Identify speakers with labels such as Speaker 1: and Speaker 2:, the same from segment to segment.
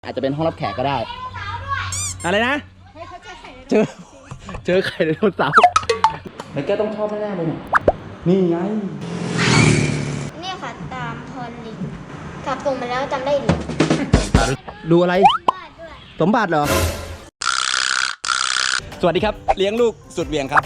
Speaker 1: อาจจะเป็นห้องรับแขกก็ได้อะไรนะเจอไข่ไดโนเสาร์แล้วแกต้องชอบแน่ๆเลยเนี่ยนี่ไง
Speaker 2: เนี่ยค่ะตามพรลิงกลับตรงมาแล้วจำได้ดิ
Speaker 1: ดูอะไรสมบัติเหรอสวัสดีครับเลี้ยงลูกสุดเหวี่ยงครับ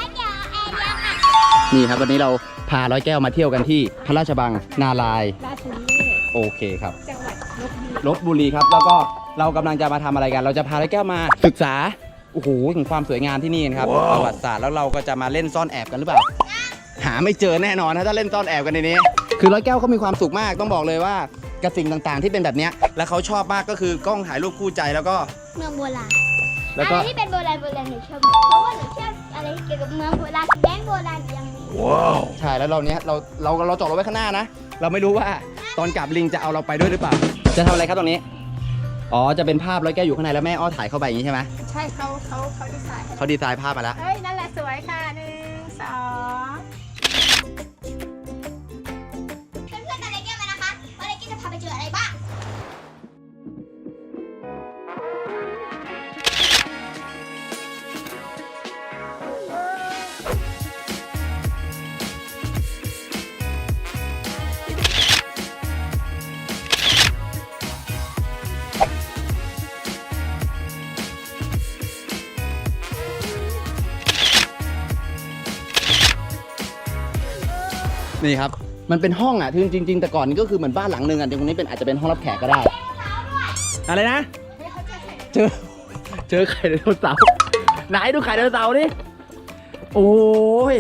Speaker 1: นี่ครับวันนี้เราพาร้อยแก้วมาเที่ยวกันที่พระราชบังนาลายโอเคครับจังหวัดลพบุรีครับแล้วก็เรากำลังจะมาทำอะไรกันเราจะพาร้อยแก้วมาศึกษาโอ้โหถึงความสวยงามที่นี่ครับประวัติศาสตร์แล้วเราก็จะมาเล่นซ่อนแอบกันหรือเปล่าหาไม่เจอแน่นอนนะถ้าเล่นซ่อนแอบกันในนี้คือร้อยแก้วเขามีความสุขมากต้องบอกเลยว่ากับสิ่งต่างๆที่เป็นแบบนี้และเขาชอบมากก็คือกล้องถ่ายรูปคู่ใจแล้วก็
Speaker 2: เมืองโบราณ
Speaker 1: แล้วก็
Speaker 2: อะไรที่เป็นโบราณหนูชอบเพราะว่าหนูชอบอะไรเกี่ยวกับเมืองโบราณแดนโบราณยังมี
Speaker 1: ว้าวใช่แล้วเราเนี้ยเราจอดรถไว้ข้างหน้านะเราไม่รู้ว่าตอนกลับลิงจะเอาเราไปด้วยหรือเปล่าจะทำอะไรครับตรงนี้อ๋อจะเป็นภาพร้อยแก้วอยู่ข้างในแล้วแม่อ้อถ่ายเข้าไปอย่างนี้ใช่ไหม
Speaker 3: ใช่เขา
Speaker 1: ดีไซน์ภาพมาแล้ว
Speaker 3: เฮ้ยนั่นแหละสวยค่ะ1 2
Speaker 2: เพื่อนๆกันเลยแก้วมานะคะว่าเลยแก้วจะพาไปเจออะไรบ้าง
Speaker 1: นี่ครับมันเป็นห้องอ่ะจริงแต่ก่อนนี้ก็คือเหมือนบ้านหลังนึงอ่ะตรงนี้เป็นอาจจะเป็นห้องรับแขกก็ได้อะไรนะเจอไข่ไดโนเสาร์ไหนดูไข่ไดโนเสาร์ดิโอ้ย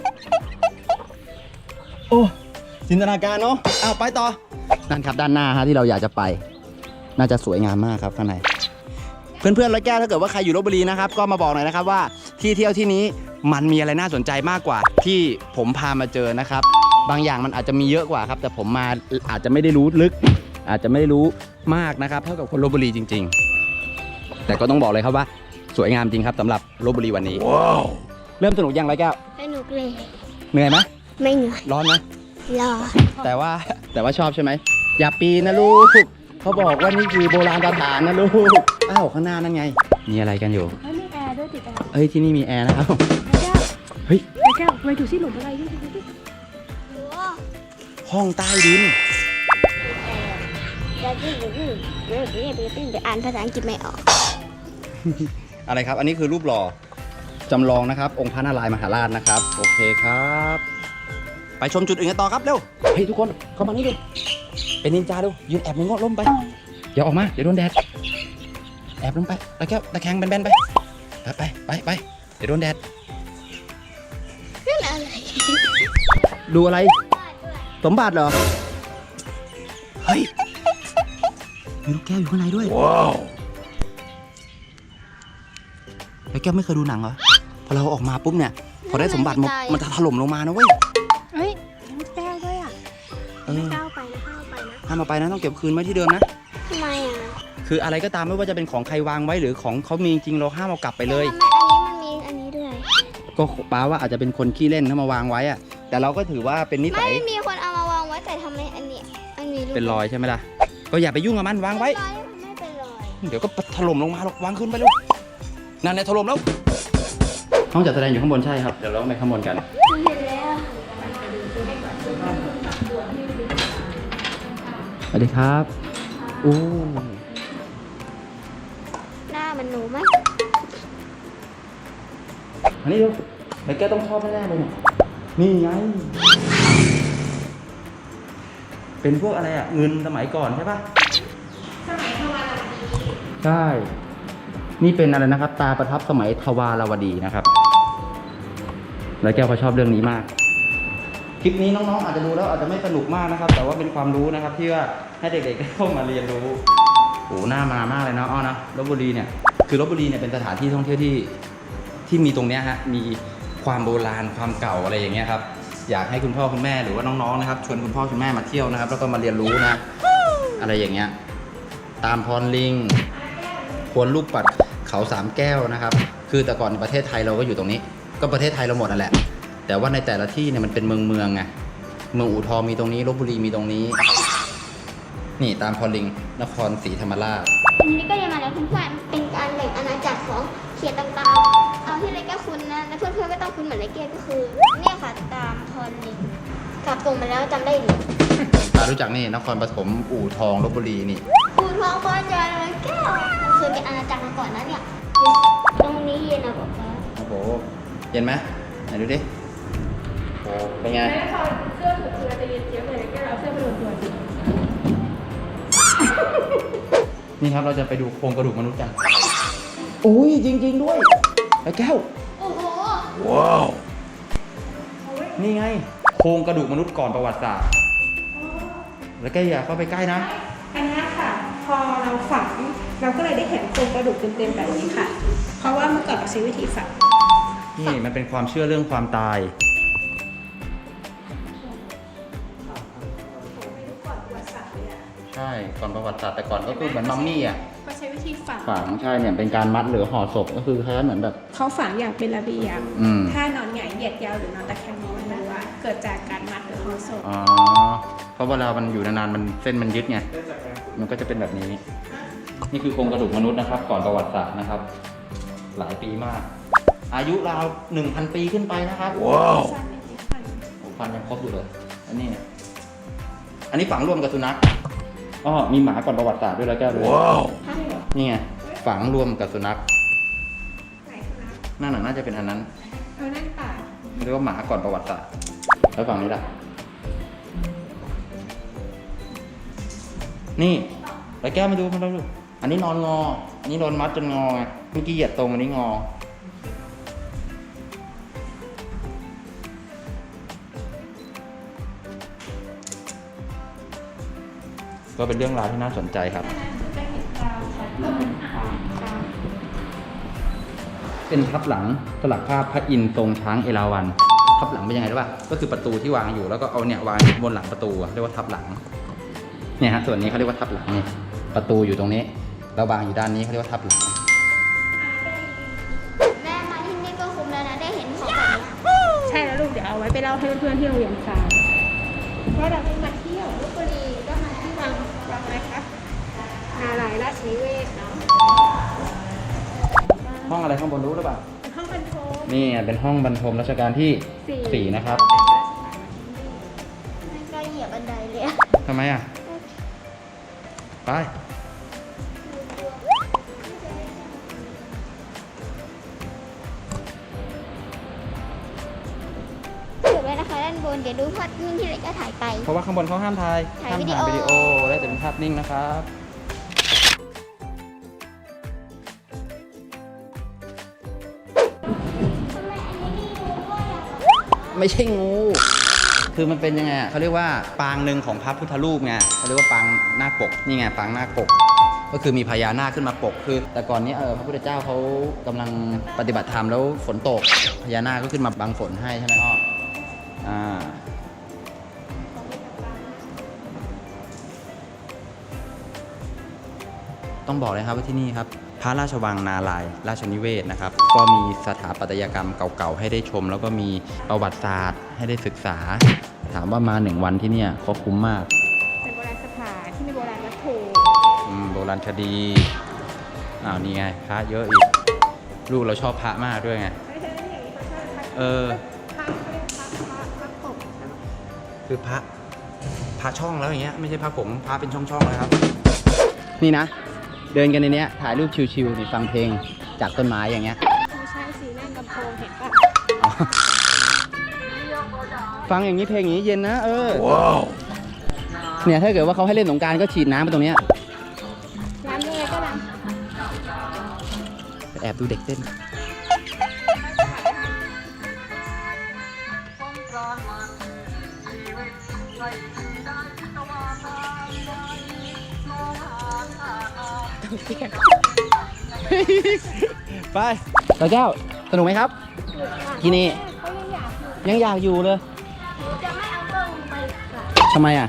Speaker 1: โอ้จินตนาการเนาะอ้าวไปต่อนั่นครับด้านหน้าฮะที่เราอยากจะไปน่าจะสวยงามมากครับข้างในเพื่อนๆร้อยแก้วถ้าเกิดว่าใครอยู่ลพบุรีนะครับก็มาบอกหน่อยนะครับว่าที่เที่ยวที่นี้มันมีอะไรน่าสนใจมากกว่าที่ผมพามาเจอนะครับบางอย่างมันอาจจะมีเยอะกว่าครับแต่ผมมาอาจจะไม่ได้รู้ลึกอาจจะไม่ได้รู้มากนะครับเท่ากับคนลพบุรีจริงๆแต่ก็ต้องบอกเลยครับว่าสวยงามจริงครับสำหรับลพบุรีวันนี้ว้าวเริ่มสนุกยังร้อยแก้ว
Speaker 2: สนุกเลย
Speaker 1: เหนื่อยไหม
Speaker 2: ไม่เหนื่อย
Speaker 1: ร้อนไหม
Speaker 2: ร้อน
Speaker 1: แต่ว่าชอบใช่ไหมอย่าปีนนะลูกเขาบอกว่านี่คือโบราณสถานนะลูกอ้าวข้างหน้านั่นไงมีอะไรกันอยู่
Speaker 3: มีแอร์ด้วยติดแอร์
Speaker 1: เฮ้ยที่นี่มีแอร์นะครับเฮ้ย
Speaker 3: แก้วไปดูสิหลุมอะไรดิ
Speaker 1: ห้องใต้ดิน
Speaker 2: อ่านภาษาอังกฤษไม่ออก
Speaker 1: อะไรครับอันนี้คือรูปหล่อจำลองนะครับองค์พระนารายณ์มหาราชนะครับโอเคครับไปชมจุดอื่นกันต่อครับเร็วเฮ้ยทุกคนเข้ามานี่ดิเป็นนินจาดูยืนแอบในงอล่มไปอย่าออกมาเดี๋ยวโดนแดดแอบลงไปแล้วแก้วตะแคงแบนๆไปเดี๋ยวโดนแดด
Speaker 2: นั่นอะไร
Speaker 1: ดูอะไรสมบัติเหรอเฮ้ยมีลูกแก้วอยู่ข้างในด้วยว้าวแล้วแก้วไม่เคยดูหนังเหรอพอเราออกมาปุ๊บเนี่ยพอได้สมบัติมันจะถล่มลงมานะเว้ย
Speaker 3: เฮ้ยลูกแก้วด้วยอ่ะไม่ก้าวไปนะ
Speaker 1: ห้ามเอาไปนะต้องเก็บคืนไว้ที่เดิมนะ
Speaker 2: ทำไมอ่ะ
Speaker 1: คืออะไรก็ตามไม่ว่าจะเป็นของใครวางไว้หรือของเขามีจริงเราห้ามเอากลับไปเลย
Speaker 2: ทำไมอันนี้มันมีอันนี้ด้วย
Speaker 1: ก็ป้าว่าอาจจะเป็นคนขี้เล่นถ้ามาวางไว้อะแต่เราก็ถือว่าเป็นนิสัย
Speaker 2: ไม่มีคนเอามาวางไว้แต่ทำไมอันนี้
Speaker 1: เป็นรอยใช่ไหมล่ะก็อย่าไปยุ่งกับมันวางไว้
Speaker 2: ไม่เป็นรอย
Speaker 1: เดี๋ยวก็ถล่มลงมาหรอกวางขึ้นไปลูกนั่นแหละถล่มแล้วห้องจัดแสดงอยู่ข้างบนใช่ครับเดี๋ยวเราไปข้างบนกัน
Speaker 2: เห็นแล้ว
Speaker 1: สวัสดีครับโอ้
Speaker 2: หน้ามันหนูไหม
Speaker 1: อันนี้ดูไอ้แกต้องชอบแน่ๆเลยนี่ไงเป็นพวกอะไรอ่ะเงินสมัยก่อนใช่ปะ
Speaker 3: สมัยทวารวดี
Speaker 1: ใช่นี่เป็นอะไรนะครับตาประทับสมัยทวารวดีนะครับแล้วแก้วเขาชอบเรื่องนี้มากคลิปนี้น้องๆอาจจะดูแล้วอาจจะไม่สนุกมากนะครับแต่ว่าเป็นความรู้นะครับที่ว่าให้เด็กๆได้เข้ามาเรียนรู้โอ้หน้ามามากเลยนะอ้อนะลพบุรีเนี่ยคือลพบุรีเนี่ยเป็นสถานที่ท่องเที่ยวที่มีตรงเนี้ยฮะมีความโบราณความเก่าอะไรอย่างเงี้ยครับอยากให้คุณพ่อคุณแม่หรือว่าน้องๆนะครับชวนคุณพ่อคุณแม่มาเที่ยวนะครับแล้วก็มาเรียนรู้นะอะไรอย่างเงี้ยตามพรลิงควรรูปปัดเขาสามแก้วนะครับคือแต่ก่อนประเทศไทยเราก็อยู่ตรงนี้ก็ประเทศไทยเราหมดนั่นแหละแต่ว่าในแต่ละที่เนี่ยมันเป็นเมืองไงเมืองอู่ทองมีตรงนี้ลพบุรีมีตรงนี้นี่ตามพรลิงนครศรีธรรมราช
Speaker 2: อันนี้ก็ยังมาแล้วเพื่อนๆเป็นการแบ่งอาณาจักรของเขตต่างๆเอาที่ไรแก้วคุ้นนะและเพื่อนๆก็ต้องคุ้นเหมือนไรแก้วก็คือเนี่ยค่ะตามพรลิงกลับตรงมาแล้วจำได้หรือ
Speaker 1: ตารู้จักนี่นครปฐมอู่ทองลพบุรีนี่
Speaker 2: ปูทองบอลจอยไรแก้วมันเคยเป็นอาณาจักรมาก่อนนะเนี่ยตรงนี้เย็นนะบอกว่า
Speaker 1: โอ้โหเย็นไหมไหนดูดิโอ้เป็นไง
Speaker 3: แม่พอเสื้อถูกตัวจะเย็นเจี๊ยบเลยแกเอาเสื้อไปโดนตัวจริง
Speaker 1: นี่ครับเราจะไปดูโครงกระดูกมนุษย์กันโอ้ยจริง ๆด้วยไอ้แก้ว
Speaker 2: โอ้โห
Speaker 1: ว้าวนี่ไงโครงกระดูกมนุษย์ก่อนประวัติศาสตร์แล้วแกอย่าเข้าไปใกล้นะ
Speaker 3: อันนี้ค่ะ พอเราฝังเราก็เลยได้เห็นโครงกระดูกเต็มๆแบบนี้ค่ะ เพราะว่าเมื่อก่อนเราใช้วิธีฝัง
Speaker 1: นี่มันเป็นความเชื่อเรื่องความตาย ใช่ก่อนประวัติศาสตร์แต่ก่อนก็คือเหมือนมัมมี่อ่ะ
Speaker 3: ก็ใช้วิธีฝัง
Speaker 1: ฝังใช่เนี่ยเป็นการมัดหรือห่อศพก็คือคล้ายๆเหมือนแบบ
Speaker 3: เขาฝังอย่างเป็นระเบียบ
Speaker 1: อืม
Speaker 3: ถ้านอนหงายเหยียดยาวหรือนอนตะแคงมองไม่รู้ว่าเกิดจากการมัดหรือห่อศพ
Speaker 1: อ๋อเพราะเวลามันอยู่นานๆมันเส้นมันยึดไงมันก็จะเป็นแบบนี้ นี่คือโครงกระดูกมนุษย์นะครับ ก่อนประวัติศาสตร์นะครับ หลายปีมาก อายุราว 1,000 ปีขึ้นไปนะครับว้าว
Speaker 3: สั้นนิดนึงค่ะ
Speaker 1: ฟันยังครบอยู่เลยอันนี้เนี่ยอันนี้ฝังรวมกับสุนัขอ๋อมีหมาก่อนประวัติศาสตร์ด้วยแล้วแก้วด้วยว้าวนี่ไงฝังรวมกับสุนัข
Speaker 3: ไหนคะ
Speaker 1: นั่นน่ะน่าจะเป็นอันนั้น
Speaker 3: เอานั่นป่า
Speaker 1: เรียกว่าหมาก่อนประวัติศาสตร์แล้วฝั่งนี้ล่ะนี่แล้วแก้วมาดูอันนี้นอนงอ อันนี้โดนมัดจนงอไงเมื่อกี้เหยียดตรงอันนี้งอ ก็เป็นเรื่องราวที่น่าสนใจครับ
Speaker 3: จะเห็นตาชัดตา
Speaker 1: เป็นทับหลังสลักภาพพระอินทร์ทรงช้างเอราวัณทับหลังเป็นยังไงรู้ป่ะก็คือประตูที่วางอยู่แล้วก็เอาเนี่ยวางบนหลังประตูอะเรียกว่าทับหลังเนี่ยฮะส่วนนี้เขาเรียกว่าทับหลังนี่ประตูอยู่ตรงนี้แล้ววางอยู่ด้านนี้เขาเรียกว่าทับหลัง
Speaker 2: แม่มาที่นี่ก็คุ้มแล้วนะได้เห็นของแบบเนี้ย
Speaker 3: ใช่แล้วลูกเดี๋ยวเอาไว้ไปเล่าให้เพื่อนๆที่โรงเรียนฟังว่าเราได้มาเที่ยว
Speaker 2: ลพบุรีก็มาที่วัง
Speaker 3: ฟังอะไรคะนาลายราชนิเวศเนาะ
Speaker 1: ห้องอะไรข้างบนรู้หรือเปล่า
Speaker 3: ห้องบรรทม
Speaker 1: นี่เป็นห้องบรรทมรัชกาลที่ 4 นะครับ
Speaker 2: ไม่กล้าเหยียบบันไดเลยอะ
Speaker 1: ทำไมอ่ะ ไป
Speaker 2: เก็บไว้นะคะด้านบนเดี๋ยวดูภาพนิ่งที่เราจะถ่ายไป
Speaker 1: เพราะว่าข้างบนเขาห้ามถ่าย
Speaker 2: ถ่าย
Speaker 1: ห้าม
Speaker 2: วิดี
Speaker 1: ถ่าย
Speaker 2: โอ
Speaker 1: วิดีโอและแต่เป็นภาพนิ่งนะครับ
Speaker 2: ทำไมอันนี้มีงูด้วยอะ
Speaker 1: ไม่ใช่งู คือมันเป็นยังไงอะเขาเรียกว่าปางหนึ่งของพระพุทธรูปไงเขาเรียกว่าปางนาคปก นี่ไงปางนาคปก ก็คือมีพญานาคขึ้นมาปก คือ แต่ก่อนนี้พระพุทธเจ้าเขากำลังปฏิบัติธรรมแล้วฝนตก พญานาคก็ขึ้นมาบังฝนให้ใช่ไหมอ้อต้องบอกเลยครับว่าที่นี่ครับ พระราชวังนาลายณ์ราชนิเวศนะครับ ก็มีสถาปัตยกรรมเก่าๆให้ได้ชม แล้วก็มีประวัติศาสตร์ให้ได้ศึกษา ถามว่ามา1 วันที่เนี่ยก็คุ้มมาก
Speaker 3: เป็นโบราณสถานที่มีโบราณวัตถุ
Speaker 1: โบราณคดีนี่ไงพระเยอะอีก ลูกเราชอบพระมากด้วยไง
Speaker 3: ไม่ใช่อย่างนี้เขาชอบพระ
Speaker 1: เออ
Speaker 3: พระเขาเรียกพระปก
Speaker 1: คือพระช่องแล้วอย่างเงี้ยไม่ใช่พระผงพระเป็นช่องๆเลยครับ นี่นะ เดินกันในเนี้ยถ่ายรูปชิวๆนี่ฟังเพลงจากต้นไม้อย่างเงี้ย
Speaker 3: ไม่ใช่สีนั่งลำโพงเห็นปะ
Speaker 1: ฟังอย่างนี้เพลงอย่างนี้เย็นนะว้าวเนี่ยถ้าเกิดว่าเขาให้เล่นสงกรานต์ก็ฉีดน้ำไปตรงเนี้ย
Speaker 3: ร้านยังไงก็ร้าน
Speaker 1: แอบดูเด็กเต้นไปต่อเจ้าสนุกไหมครับ ที่นี่
Speaker 3: เขายังอยากอยู่
Speaker 1: ยังอยากอยู่เลย
Speaker 2: จะไม่เอากล้องไปค่ะ
Speaker 1: ทำไมอ่ะ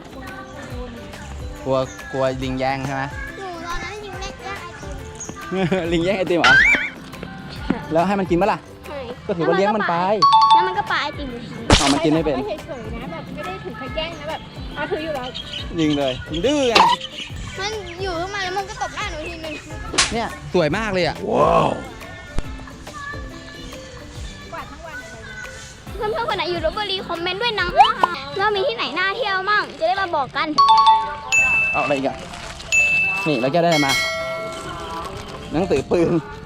Speaker 1: กลัวลิงแย่งใช่ไหม
Speaker 2: หนูตอนนั้นยิงเล็กย่างไอติม
Speaker 1: ลิงแย่งไอติมเหรอ แล้วให้มันกินปะล่ะ
Speaker 2: ใช่
Speaker 1: ก็ถือว่าเลี้ยงมันไป
Speaker 2: แล้วมันก็ปาไอติมอยู่ที
Speaker 1: เอามันกินไม่เป็น
Speaker 3: เฉยๆนะแบบไม่ได้ถึงกับแย่งนะแบบเอาถืออยู่แล้ว
Speaker 1: ยิงเลยยิงดื้อไง
Speaker 2: มันอยู่ขึ้นมาแล้วแล้วมันก็ตบหน้าหนูทีนึง
Speaker 1: เนี่ยสวยมากเลยอ่ะ
Speaker 2: เพื่อนๆคนไหนอยู่ลพบุรีคอมเมนต์ด้วยนะว่ามีที่ไหนน่าเที่ยวมั่งจะได้มาบอกกัน
Speaker 1: เอาอะไรอีกอ่ะนี่แล้วแกได้อะไรมาหนังสือปืน